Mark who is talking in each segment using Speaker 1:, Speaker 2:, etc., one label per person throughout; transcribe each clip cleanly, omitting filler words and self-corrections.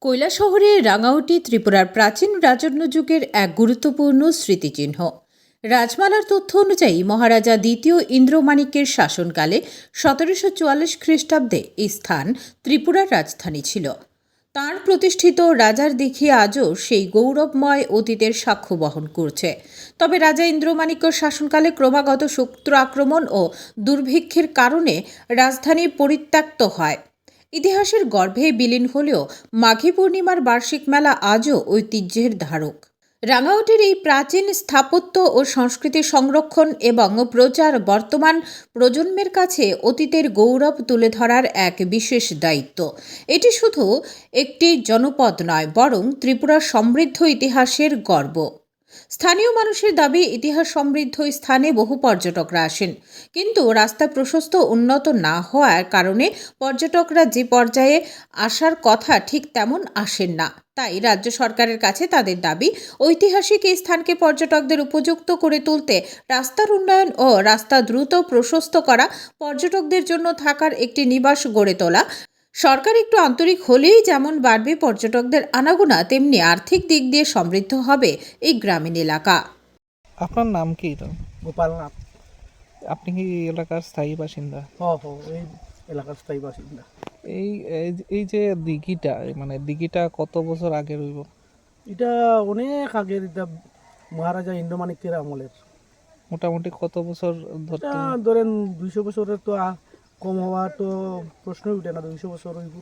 Speaker 1: কৈলাসহরের রাঙাউটি ত্রিপুরার প্রাচীন রাজন্য যুগের এক গুরুত্বপূর্ণ স্মৃতিচিহ্ন। রাজমালার তথ্য অনুযায়ী মহারাজা দ্বিতীয় ইন্দ্রমাণিক্যের শাসনকালে 1744 খ্রিস্টাব্দে এই স্থান ত্রিপুরার রাজধানী ছিল। তাঁর প্রতিষ্ঠিত রাজার দিঘি আজও সেই গৌরবময় অতীতের সাক্ষ্য বহন করছে। তবে রাজা ইন্দ্রমাণিক্য শাসনকালে ক্রমাগত শত্রু আক্রমণ ও দুর্ভিক্ষের কারণে রাজধানী পরিত্যক্ত হয়। ইতিহাসের গর্ভে বিলীন হলেও মাঘী পূর্ণিমার বার্ষিক মেলা আজও ঐতিহ্যের ধারক। রাঙাউটির এই প্রাচীন স্থাপত্য ও সংস্কৃতি সংরক্ষণ এবং প্রচার বর্তমান প্রজন্মের কাছে অতীতের গৌরব তুলে ধরার এক বিশেষ দায়িত্ব। এটি শুধু একটি জনপদ নয়, বরং ত্রিপুরার সমৃদ্ধ ইতিহাসের গর্ব। স্থানীয় মানুষের দাবি, ইতিহাস সমৃদ্ধ স্থানে বহু পর্যটকরা আসেন, কিন্তু রাস্তা প্রশস্ত উন্নত না হওয়ার কারণে পর্যটকরা যে পর্যায়ে আসার কথা ঠিক তেমন আসেন না। তাই রাজ্য সরকারের কাছে তাদের দাবি, ঐতিহাসিক এই স্থানকে পর্যটকদের উপযুক্ত করে তুলতে রাস্তার উন্নয়ন ও রাস্তা দ্রুত প্রশস্ত করা, পর্যটকদের জন্য থাকার একটি নিবাস গড়ে তোলা। সরকার একটু আন্তরিক হলেই যেমন বাড়বে পর্যটকদের আনাগোনা, তেমনি আর্থিক দিক দিয়ে সমৃদ্ধ হবে এই গ্রামীণ এলাকা।
Speaker 2: আপনার নাম কি? তো
Speaker 3: গোপালনাথ।
Speaker 2: আপনি কি এলাকার স্থায়ী বাসিন্দা?
Speaker 3: এই এলাকার স্থায়ী বাসিন্দা।
Speaker 2: এই এই যে দিঘিটা, মানে দিঘিটা কত বছর আগে রইব?
Speaker 3: এটা অনেক আগের, এটা মহারাজা ইন্দ্রমাণিক্যের আমলের।
Speaker 2: মোটামুটি কত বছর ধরতে?
Speaker 3: এটা ধরেন 200 বছরের তো কম হওয়ার তো প্রশ্নই উঠে না। 200 বছর হইব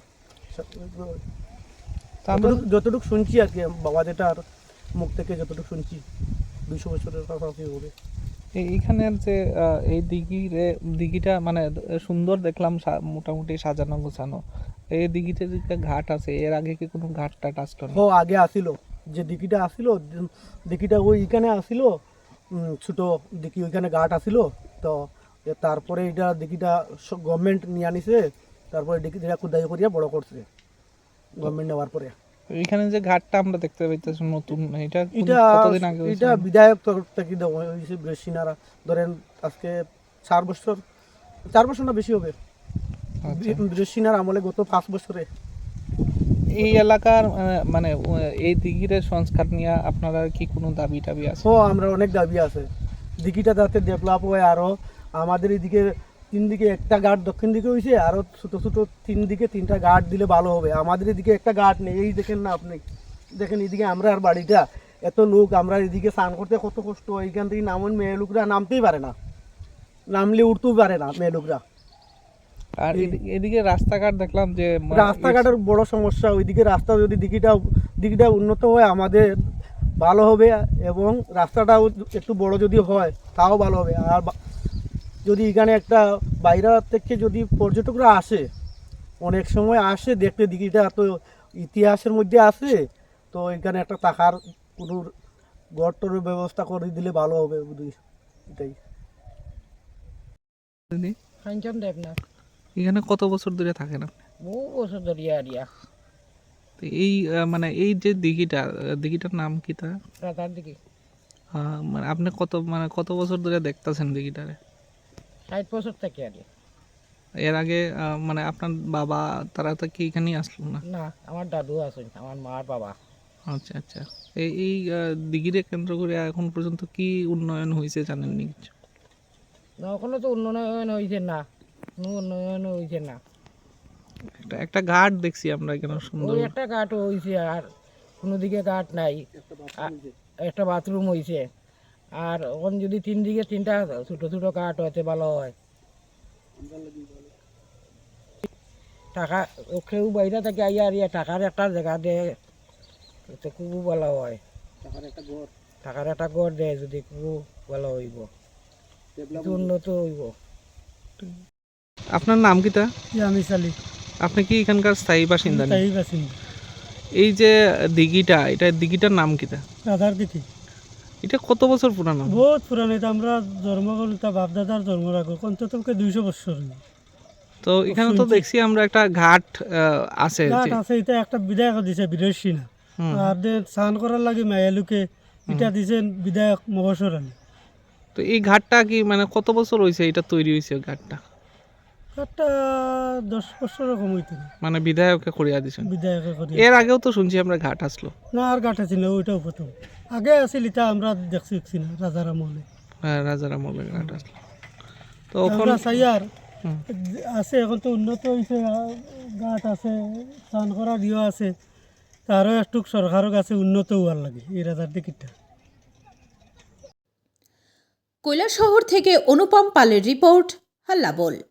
Speaker 3: যতটুকু শুনছি আর কি, বাবা যেটার মুখ থেকে যতটুকু শুনছি 200 বছরের কাছাকাছি হবে।
Speaker 2: এইখানের যে এই দিঘিটা মানে সুন্দর দেখলাম, মোটামুটি সাজানো গোছানো। এই দিঘিতে যে ঘাট আছে, এর আগে কি কোনো ঘাট টাট আসলো না?
Speaker 3: আগে আসিল, যে দিঘিটা আসিল, দিঘিটা ওইখানে আসিল, ছোট দিঘি, ওইখানে ঘাট আসিল। তো তারপরে এটা দিঘিটা গভর্নমেন্ট নিয়ে আনিছে, তারপরে দিঘিটা খুদাই করিয়া বড় করছে গভর্নমেন্ট নেওয়ার পরে।
Speaker 2: এখানে যে ঘাটটা আমরা দেখতে পাইতেছি নতুন, এটা
Speaker 3: এটা
Speaker 2: কতদিন আগে হয়েছে?
Speaker 3: এটা বিধায়ক তরফ থেকে দেওয়া হয়েছে। সিনারা ধরেন আজকে 4 বছর না বেশি হবে। সিনার আমলে গত 5 বছরে।
Speaker 2: এই এলাকার মানে এই দিঘির সংস্কার নিয়ে আপনারা কি কোনো দাবি টাবি আছে?
Speaker 3: আমরা অনেক দাবি আছে। দিঘিটা যাতে ডেভেলপ হয় আরো। আমাদের এদিকে 3 দিকে একটা ঘাট, দক্ষিণ দিকে হয়েছে, আরো ছোট ছোট 3 দিকে 3টা ঘাট দিলে ভালো হবে। আমাদের এদিকে একটা ঘাট নেই। এই দেখেন না আপনি, দেখেন এদিকে আমরা আর বাড়িটা, এত লোক, আমরা এদিকে স্নান করতে কত কষ্ট। এইখান থেকে নামুন, মেয়ে লোকরা নামতেই পারে না, নামলে উঠতেও পারে না মেয়ে লোকরা।
Speaker 2: আর এদিকে রাস্তাঘাট দেখলাম যে
Speaker 3: রাস্তাঘাটের বড় সমস্যা। ওইদিকে রাস্তা যদি দিঘিটা উন্নত হয় আমাদের ভালো হবে, এবং রাস্তাটাও একটু বড় যদি হয় তাও ভালো হবে। আর যদি এখানে একটা বাইরে থেকে যদি পর্যটকরা আসে, অনেক সময় আসে দেখতে, দিঘিটা তো ইতিহাসের মধ্যে আছে, তো এখানে একটা থাকার কোনো ঘরটর ব্যবস্থা করে দিলে ভালো হবে বুঝি। এটাই।
Speaker 4: কাঞ্চন দেবনাথ।
Speaker 2: এখানে কত বছর ধরে থাকেন আপনি?
Speaker 4: বহু বছর ধরিয়া আরিয়া
Speaker 2: তো এই মানে এই যে দিঘিটার নাম কি তা?
Speaker 4: রাতার দিকে
Speaker 2: মানে আপনি কত বছর ধরে দেখতেছেন দিঘিটারে?
Speaker 4: 60 বছর থেকে আরিয়া।
Speaker 2: এর আগে মানে আপনার বাবা তারা তো কি এখানেই আসলো না?
Speaker 4: না, আমার দাদু আছেন, আমার মার বাবা।
Speaker 2: আচ্ছা আচ্ছা। এই দিঘিরে কেন্দ্র করে এখন পর্যন্ত কি উন্নয়ন হয়েছে জানেননি কিছু?
Speaker 4: না, ওখানে তো উন্নয়ন হয়েছে না, কোনো উন্নয়ন হয়েছে না।
Speaker 2: একটা ঘাট দেখছি আমরা এখানে সুন্দর।
Speaker 4: ওই একটা ঘাট হয়েছে, আর কোনো দিকে ঘাট নাই। একটা বাথরুম হয়েছে, আর ওখানে যদি 3 দিকে 3টা ছোটো ছোটো ঘাট হতে ভালো হয়। টাকা কেউ বাইরে থেকে আইয়া আরিয়া টাকার একটা জায়গা দেয় তো খুব ভালো হয়। টাকার একটা ঘর দেয় যদি খুব ভালো হইব, উন্নত হইব।
Speaker 2: আপনার নাম কি তা?
Speaker 3: আমি চালি
Speaker 2: আপনি কি এখানকার স্থায়ী বাসিন্দা?
Speaker 3: বাসিন্দা।
Speaker 2: এই যে দিঘিটার নাম কি তা?
Speaker 3: রাধার দিকে
Speaker 2: এটা কত বছর পুরানো?
Speaker 3: বহুত পুরানো। এটা আমরা জন্ম করি, তা বাপদাদার জন্ম রাখো অন্তত 200 বছর।
Speaker 2: তো এখানে তো দেখছি আমরা একটা ঘাট আছে।
Speaker 3: এটা একটা বিধায়ক দিছে, বিদেশি না। আর স্নান করার লাগে মায়ালুকে এটা দিছেন বিধায়ক মহসর আলী।
Speaker 2: তো এই ঘাটটা কি মানে কত বছর হয়েছে এটা তৈরি হয়েছে ঘাটটা?
Speaker 3: ঘাটটা 10 বছরের কম হইতো না,
Speaker 2: মানে বিধায়ককে করিয়া দিছেন।
Speaker 3: বিধায়কে করি।
Speaker 2: এর আগেও তো শুনছি আমরা ঘাট আসলো।
Speaker 3: না আর ঘাট আছে না, ওইটাও প্রথম। আগে আছিল, এটা আমরা দেখছি না রাজার আমলে।
Speaker 2: হ্যাঁ, রাজার আমলে ঘাট আসলো। তো এখন
Speaker 3: আমরা চাই আর
Speaker 2: হুম।
Speaker 3: আছে, এখন তো উন্নত হয়েছে, ঘাট আছে, স্নান করার ইয়ে আছে, তারও একটু সরকারের কাছে উন্নত হওয়ার লাগে এই রাজার দিকটা।
Speaker 1: কৈলাসহর থেকে অনুপম পালের রিপোর্ট, হাল্লা বল।